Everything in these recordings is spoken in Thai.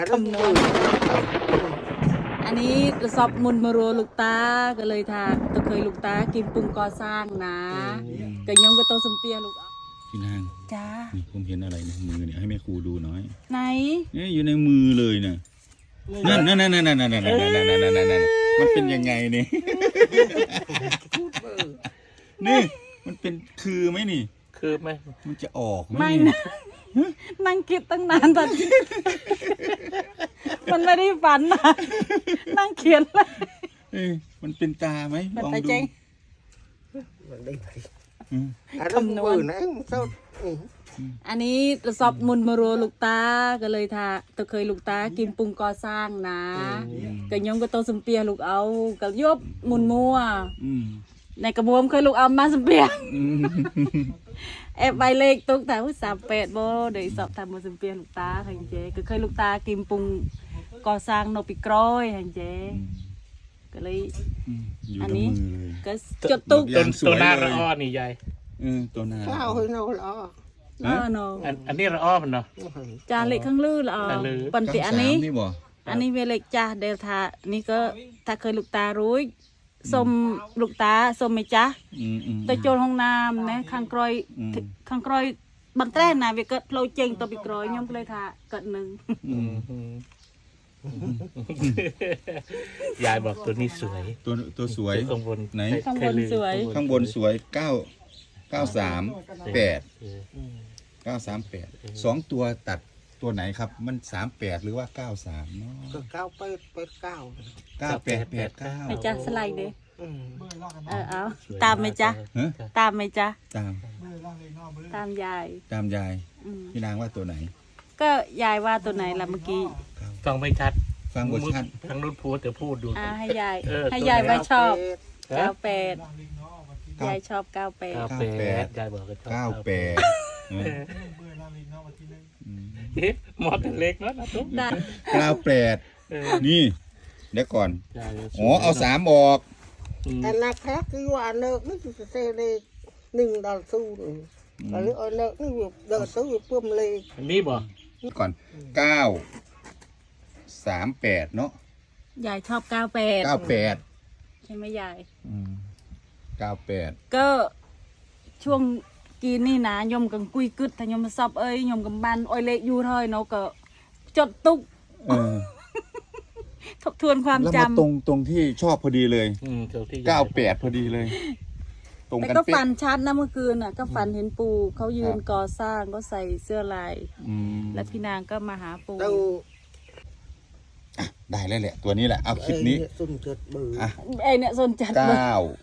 คำนวณอันนี้กระสอบมุนมารัวลูกตาก็เลยทาตะเคยลูกตากินปรุงก่อสร้างนะก็ยงก็โตสมเปียลูกพี่นางจ้านี่ผมเห็นอะไรในมือเนี่ยให้แม่ครูดูหน่อยไหนนี่อยู่ในมือเลยนะนั่นมันเป็นยังไงเนี่ยนี่มันเป็นคือไหมนี่คือไหมมันจะออกไหมไม่นี่นะนั่งคิดตั้งนานตอนมันไม่ได้ฝันนะนั่งเขียนเลยเอ้ยมันเป็นตาไหมมันลองตาดูเจ๊งคำนวณนะเศร้าอันนี้กระสอบมุนมารัวลูกตาก็เลยทาตะเคยลูกตากินปรุงก่อสร้างนะก็ยงก็โตสมเปียลูกเอาก็ยบมุนมัวอืมในกระบวมเคยลูกเอามาสมเปียอืมแอบใบเลขตุกแต่ว่า38บ่เดี๋ยวสอบทำมาสมเปียลูกตาหันเจก็เคยลูกตากินปรุงก่อสร้างนกปีกร้อยหันเจก็เลยอยู่อันในนี้มือเลยก็จดตุกอย่างสวยตัวหน้าเลยระอ้อนี่ยายตัวหน้าข้าวให้เราล้อเนาะอันนี้ระอ้อมันเนาะจาเลขข้างลือละอ๋อข้างลือปันติอันนี้นี่บ่อันนี้เวเลขจ้าเดลทานี่ก็ถ้าเคยลูกตารู้สมลูกตาสมไหมจ๊ะอืมตัวโจรห้องน้ำนะข้างกรอยข้างกรอยบันแต้นะเวเกิดโลเจงตัวปีกร้อยยมก็เลยทาเกิดหนึ่งยายบอกตัวนี้สวยตัวสวยข้างบนไหนข้างบนสวยข้างบนสวย938 2ตัวตัดตัวไหนครับมัน38หรือว่า93เนาะก็เก้าเป็ดเก้า 9889 ไหมจ๊ะสไลด์เด้อืมเอาตามไหมจ๊ะฮะตามไหมจ๊ะตามตามยายตามยายอืมพี่นางว่าตัวไหนก็ยายว่าตัวไหนล่ะเมื่อกี้ฟังไม่ชัดฟังบทชัดทั้งรุ่นพูดแต่พูดดูให้ยายเออให้ตัวไหนยายว่าชอบฮะ 98ยายชอบเก้า 98 แปดยายบอกก็ชอบ 98เออเอ๊ะหมอเป็นเล็กแล้วนะตุ๊กได้ 98นี่เดี๋ยวก่อนยายอ๋อเอา3ออกอันนั้นแค่คือว่าเนิกนี่จะเซเลยหนึ่งดอลสู้หนึ่งหรือเอาเนิกนี่แบบเดินสู้แบบเพิ่มเลยอันนี้บ่ก่อน938เนาะยายชอบ98 98 ใช่ไหมยาย 98 ก็ช่วงกีนี่นะยมกังกุยกึดถ้ายมมาสอบเอ้ยยมกับันอ้อยเละอยู่เท่อยเนาะก็จดตุกเออทบทวนความแล้วจำมาตรงที่ชอบพอดีเลยตัวที่ 98พอดีเลย ตรงแต่กันก็เป๊ะฝันชัดนะเมื่อคืนน่ะ ก็ฝันเห็นปู่เขายืนก่อสร้างก็ใส่เสื้อลายอืมและพี่นางก็มาหาปู่เราได้แล้วแหละ ตัวนี้แหละ เอาคลิปนี้สุ่มเกิดเบื่ออ่ะไอเนี่ยสนจัดเลย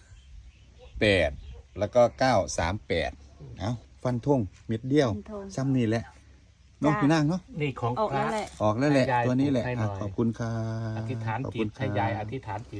98แล้วก็938เอาฟันธงเม็ดเดียว ซ้ำนี่แหละน้องพี่นางเนาะนี่ของออกพระแล้วแหละออกแล้วแหละให้ยายตัวนี้แหละให้หน่อยขอบคุณค่ะอธิษฐานขอบจิคุตณให้ค่ะยายอธิษฐานจิต